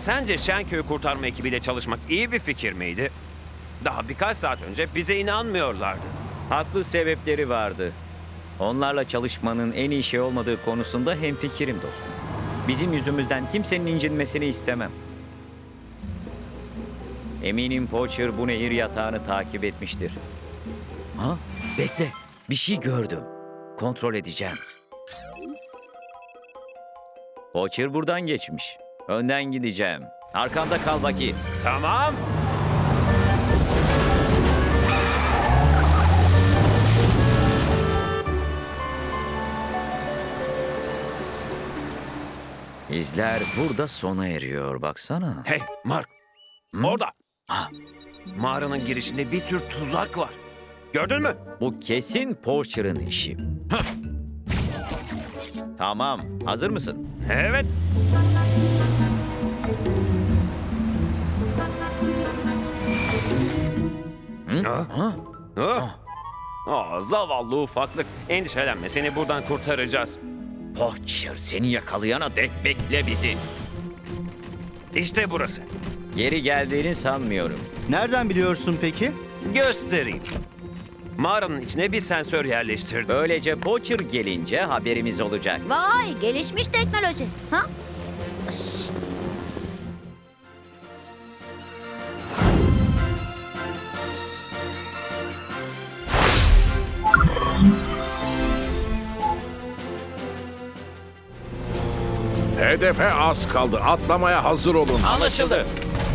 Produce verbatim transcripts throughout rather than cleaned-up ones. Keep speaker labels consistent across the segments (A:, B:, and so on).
A: Sence Şenköy'ü kurtarma ekibiyle çalışmak iyi bir fikir miydi? Daha birkaç saat önce bize inanmıyorlardı.
B: Haklı sebepleri vardı. Onlarla çalışmanın en iyi şey olmadığı konusunda hemfikirim dostum. Bizim yüzümüzden kimsenin incinmesini istemem. Eminim Poacher bu nehir yatağını takip etmiştir. Ha? Bekle. Bir şey gördüm. Kontrol edeceğim. Poacher buradan geçmiş. Önden gideceğim. Arkamda kal Baki.
A: Tamam.
B: İzler burada sona eriyor. Baksana.
A: Hey Mark. Orada.
B: Ha.
A: Mağaranın girişinde bir tür tuzak var. Gördün mü?
B: Bu kesin Poacher'ın işi. Tamam. Hazır mısın?
A: Evet.
B: Hı?
A: Ha?
B: Ha?
A: Ha? Aa, zavallı ufaklık. Endişelenme, seni buradan kurtaracağız.
B: Poacher seni yakalayana dek bekle bizi.
A: İşte burası.
B: Geri geldiğini sanmıyorum.
C: Nereden biliyorsun peki?
A: Göstereyim. Mağaranın içine bir sensör yerleştirdim.
B: Böylece Poacher gelince haberimiz olacak.
D: Vay, gelişmiş teknoloji. Ha? Şşt.
E: Hedefe az kaldı. Atlamaya hazır olun.
B: Anlaşıldı.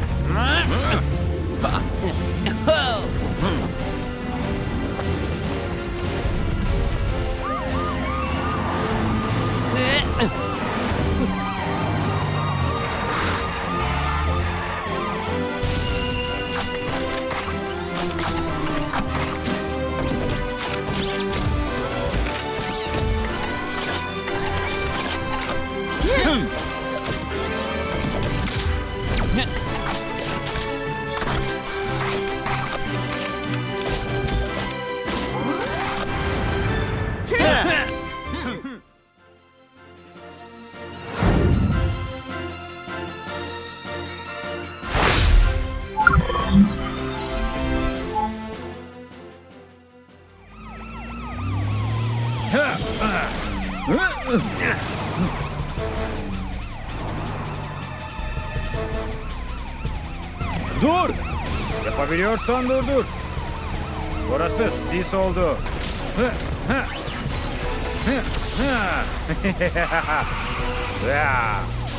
F: Dur! Yapabiliyorsan durdur. Burası sis oldu. Hı, hı. Hı, hı. Ya.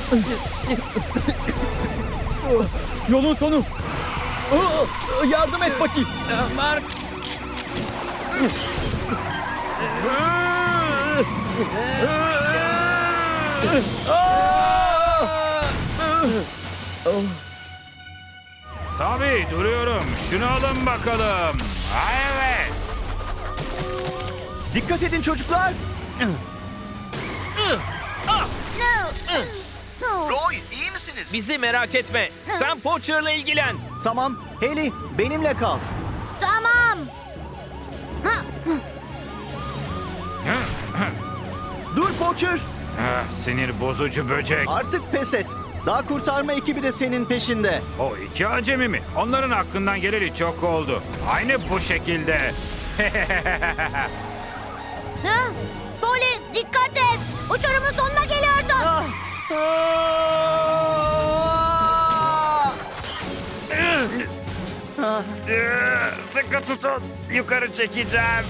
F: Yolun sonu. Yardım et Baki. Mark. Tabii duruyorum. Şunu alın bakalım. Ha, evet.
C: Dikkat edin çocuklar. Roy, iyi misiniz?
G: Bizi merak etme. Sen Poacher'la ilgilen.
C: Tamam. Haley, benimle kal.
D: Tamam.
C: Dur Poacher.
F: Ah, sinir bozucu böcek.
C: Artık pes et. Daha kurtarma ekibi de senin peşinde.
F: O iki acemi mi? Onların hakkından geleli çok oldu. Aynı bu şekilde.
D: Ha? Polly, dikkat et. Uçurumun sonuna geliyorsun.
A: Sıkı tutun. Yukarı çekeceğim.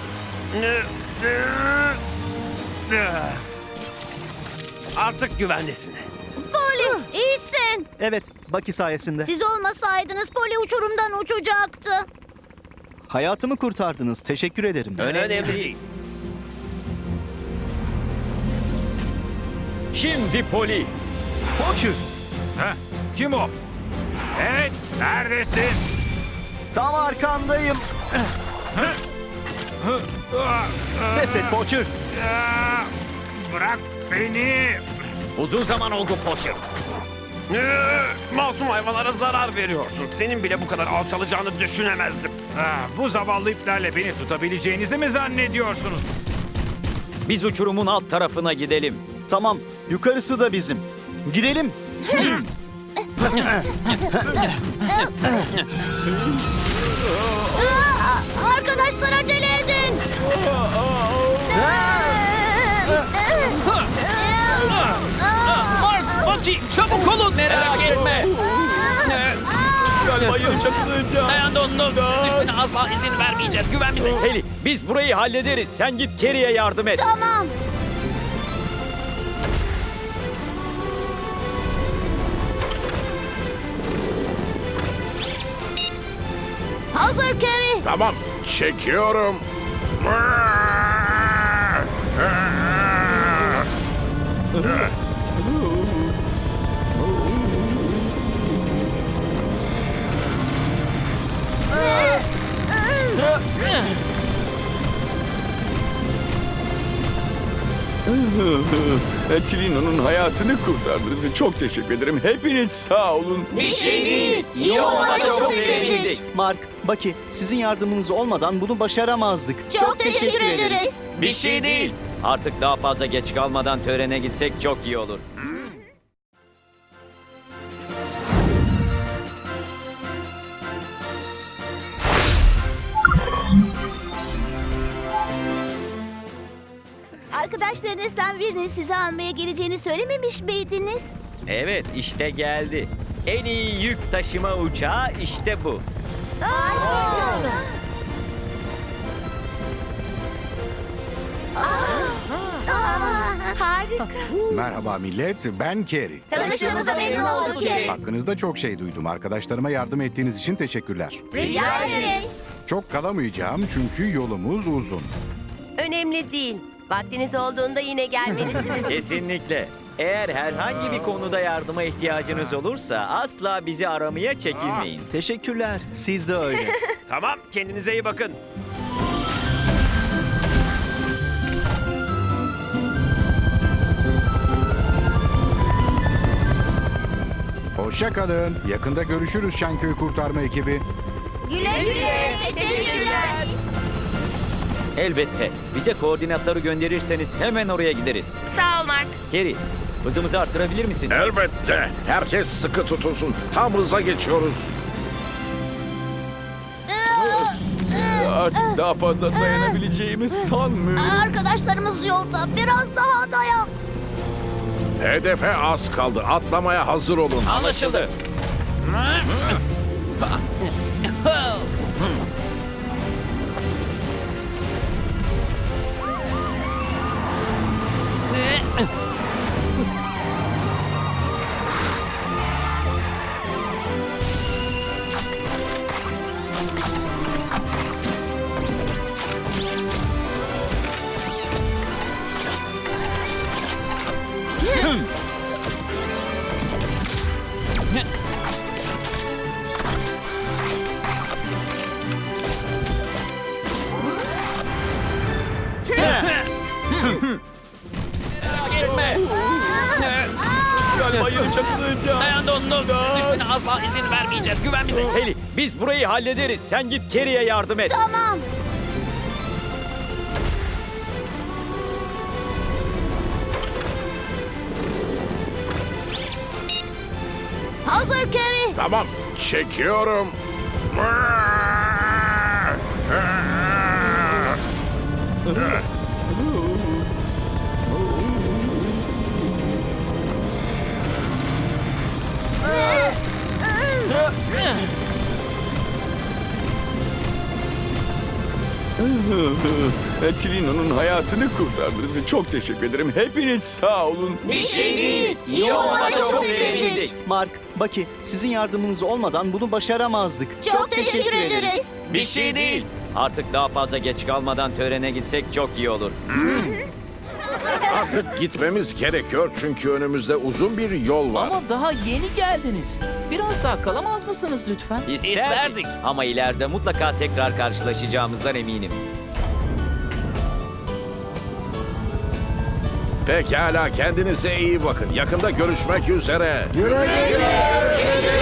A: Artık güvendesin.
D: Polly, iyisin.
C: Evet, Baki sayesinde.
D: Siz olmasaydınız Polly uçurumdan uçacaktı.
C: Hayatımı kurtardınız. Teşekkür ederim.
A: Önemli değil.
B: Şimdi Poli.
C: Poacher,
F: Heh, kim o? Evet, neredesin?
C: tam arkandayım. Pes et Poacher.
F: Ya, bırak beni.
B: Uzun zaman oldu Poacher.
A: Ee, Masum hayvanlara zarar veriyorsun. Senin bile bu kadar alçalacağını düşünemezdim.
F: Ah, bu zavallı iplerle beni tutabileceğinizi mi zannediyorsunuz?
B: Biz uçurumun alt tarafına gidelim.
C: Tamam, yukarısı da bizim. Gidelim.
D: Aa, Arkadaşlar acele edin.
G: Mark, Bucky çabuk olun. Merak etme. Dayan dostum. Düşmene asla izin vermeyeceğiz. Güven bize.
B: Heli, biz burayı hallederiz. Sen git Kerry'e yardım et.
D: Tamam. Hazır Kerry.
E: Tamam, çekiyorum.
H: Chilino'nun hayatını kurtardınız. Çok teşekkür ederim. Hepiniz sağ olun.
B: Bir şey değil. İyi olmana çok sevindik.
C: Mark, Bucky, sizin yardımınız olmadan bunu başaramazdık.
D: Çok, teşekkür, ederiz.
B: Bir şey değil. Artık daha fazla geç kalmadan törene gitsek çok iyi olur.
D: Arkadaşlarınızdan birinin sizi almaya geleceğini söylememiş miydiniz?
B: Evet, işte geldi. En iyi yük taşıma uçağı işte bu.
D: Harika.
I: Merhaba millet, ben Kerry.
D: Tanıştığımıza memnun olduk Kerry.
I: Hakkınızda çok şey duydum. Arkadaşlarıma yardım ettiğiniz için teşekkürler.
D: Rica ederiz.
I: Çok kalamayacağım çünkü yolumuz uzun.
J: Önemli değil. Vaktiniz olduğunda yine gelmelisiniz.
B: Kesinlikle. Eğer herhangi bir konuda yardıma ihtiyacınız olursa asla bizi aramaya çekinmeyin.
C: Teşekkürler. Siz de öyle.
A: Tamam, kendinize iyi bakın.
I: Hoşça kalın. Yakında görüşürüz Şenköy Kurtarma ekibi.
D: Güle güle. Teşekkürler.
B: Elbette. Bize koordinatları gönderirseniz hemen oraya gideriz.
J: Sağ ol Mark.
B: Kerry, hızımızı arttırabilir misin?
E: Elbette. Herkes sıkı tutulsun. Tam hıza geçiyoruz.
H: Artık daha fazla dayanabileceğimi sanmıyorum.
D: Arkadaşlarımız yolda. Biraz daha dayan.
E: Hedefe az kaldı. Atlamaya hazır olun.
G: Anlaşıldı. Merak etme.
H: Bayıl çakılacağım.
G: Dayan dostum. Düşmene asla izin vermeyeceğiz. Güven bize.
B: Heli, biz burayı hallederiz. Sen git Kerry'e yardım et.
D: Tamam. Hazır Kerry.
E: Tamam, çekiyorum.
H: Chilino'nun hayatını kurtardınız. Çok teşekkür ederim. Hepiniz sağ olun.
B: Bir şey değil. İyi olmana çok sevindik.
C: Mark, Bucky, sizin yardımınız olmadan bunu başaramazdık.
D: Çok, teşekkür, ederiz.
B: Bir şey değil. Artık daha fazla geç kalmadan törene gitsek çok iyi olur.
E: Artık gitmemiz gerekiyor çünkü önümüzde uzun bir yol var.
K: Ama daha yeni geldiniz. Biraz daha kalamaz mısınız lütfen?
B: İsterdik.
G: İsterdik.
B: Ama ileride mutlaka tekrar karşılaşacağımızdan eminim.
E: Pekala, kendinize iyi bakın. Yakında görüşmek üzere.
I: Güle güle.